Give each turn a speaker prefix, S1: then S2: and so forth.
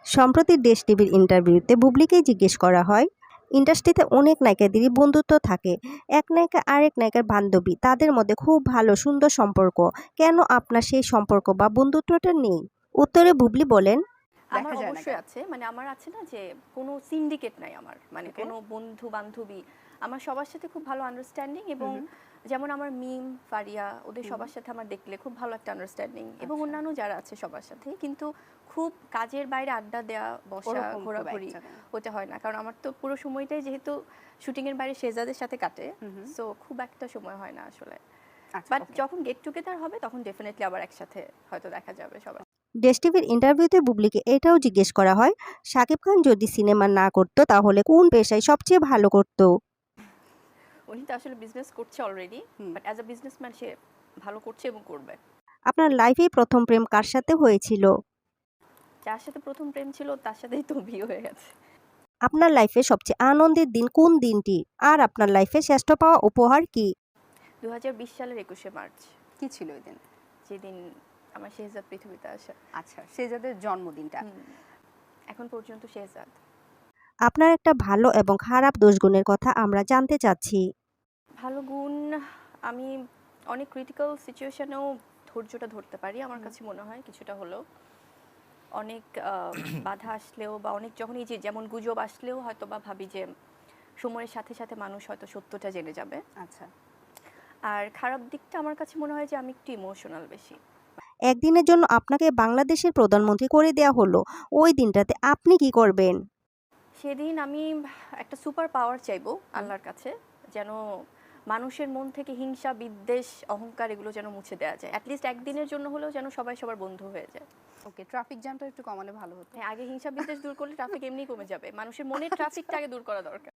S1: সম্প্রতি দেশ টিভির ইন্টারভিউতে বুবলিকেই জিজ্ঞেস করা হয়, ইন্ডাস্ট্রিতে অনেক নায়িকাদেরই বন্ধুত্ব থাকে। এক নায়িকা আরেক নায়িকার বান্ধবী, তাদের মধ্যে খুব ভালো সুন্দর সম্পর্ক। কেন আপনার সেই সম্পর্ক বা বন্ধুত্বটা নেই? উত্তরে বুবলি বলেন,
S2: আমার
S3: দেখা যায় না
S2: অবশ্যই
S3: কেন?
S2: আছে, মানে আমার আছে না যে কোনো সিন্ডিকেট নাই আমার, মানে
S3: Okay.
S2: কোনো বন্ধু বান্ধবী, আমার সবার সাথে খুব ভালো আন্ডারস্ট্যান্ডিং। এবং যেমন আমার মিম, ফারিয়া, ওদের সবার সাথে আমার দেখলে খুব ভালো একটা আন্ডারস্ট্যান্ডিং, এবং
S3: আচ্ছা।
S2: অন্যান্য যারা আছে সবার সাথে। কিন্তু খুব কাজের বাইরে আড্ডা দেওয়া, বসা,
S3: ওরকম খুব
S2: ঘোরাঘুরি
S3: একটা না।
S2: ওটা হয় না, কারণ আমার তো পুরো সময়টাই যেহেতু শুটিংয়ের বাইরে শেহজাদের সাথে কাটে, সো খুব একটা সময় হয় না আসলে।
S3: আচ্ছা,
S2: বাট
S3: okay.
S2: যখন গেট টুগেদার হবে তখন ডেফিনেটলি আবার একসাথে হয়তো দেখা যাবে সবাই।
S1: দেশ টিভির ইন্টারভিউতে বুবলিকে এটাও জিজ্ঞেস করা হয়, শাকিব খান যদি সিনেমা না করতো তাহলে কোন পেশায় সবচেয়ে ভালো করতো?
S2: উনি তো আসলে বিজনেস করছে already, but as a businessman সে ভালো করছে এবং করবে।
S1: আপনার লাইফে প্রথম প্রেম কার সাথে হয়েছিল?
S2: যার সাথে প্রথম প্রেম ছিল তার সাথেই তো বিয়ে হয়ে গেছে।
S1: আপনার লাইফে সবচেয়ে আনন্দের দিন কোন দিনটি? আর আপনার লাইফে শ্রেষ্ঠ পাওয়া উপহার কি?
S2: 2020 সালের 21শে মার্চ,
S3: কি ছিল ওই দিন?
S2: যেদিন আমার শেহজাদ পৃথিবীতে আসে।
S3: আচ্ছা, শেহজাদের জন্মদিনটা।
S2: এখন পর্যন্ত শেহজাদ।
S1: আপনার একটা ভালো এবং খারাপ দোষগুণের কথা আমরা জানতে চাচ্ছি।
S2: ভালো গুণ, আমি অনেক ক্রিটিক্যাল সিচুয়েশনেও ধৈর্যটা ধরতে পারি, আমার কাছে মনে হয় কিছুটা হলেও। অনেক বাধা আসলেও বা অনেক যখন এই যে যেমন গুজব আসলেও হয়তো বা ভাবি যে সময়ের সাথে সাথে মানুষ হয়তো সত্যটা জেনে যাবে।
S3: আচ্ছা।
S2: আর খারাপ দিকটা আমার কাছে মনে হয় যে আমি একটু ইমোশনাল বেশি।
S1: একদিনের জন্য আপনাকে বাংলাদেশের প্রধানমন্ত্রী করে দেয়া হলো, ওই দিনটাতে আপনি কি করবেন?
S2: সেদিন আমি একটা সুপার পাওয়ার চাইবো আল্লাহর কাছে, যেন মানুষের মন থেকে হিংসা, বিদ্বেষ, অহংকার এগুলো যেন মুছে দেওয়া যায়। অ্যাটলিস্ট একদিনের জন্য হলেও যেন সবাই সবার বন্ধু হয়ে যায়।
S3: ওকে, ট্রাফিক জ্যামটা একটু কমালে ভালো হতো।
S2: হ্যাঁ, আগে হিংসা বিদ্বেষ দূর করলে ট্রাফিক এমনি কমে যাবে, মানুষের মনের ট্রাফিকটা আগে দূর করা দরকার।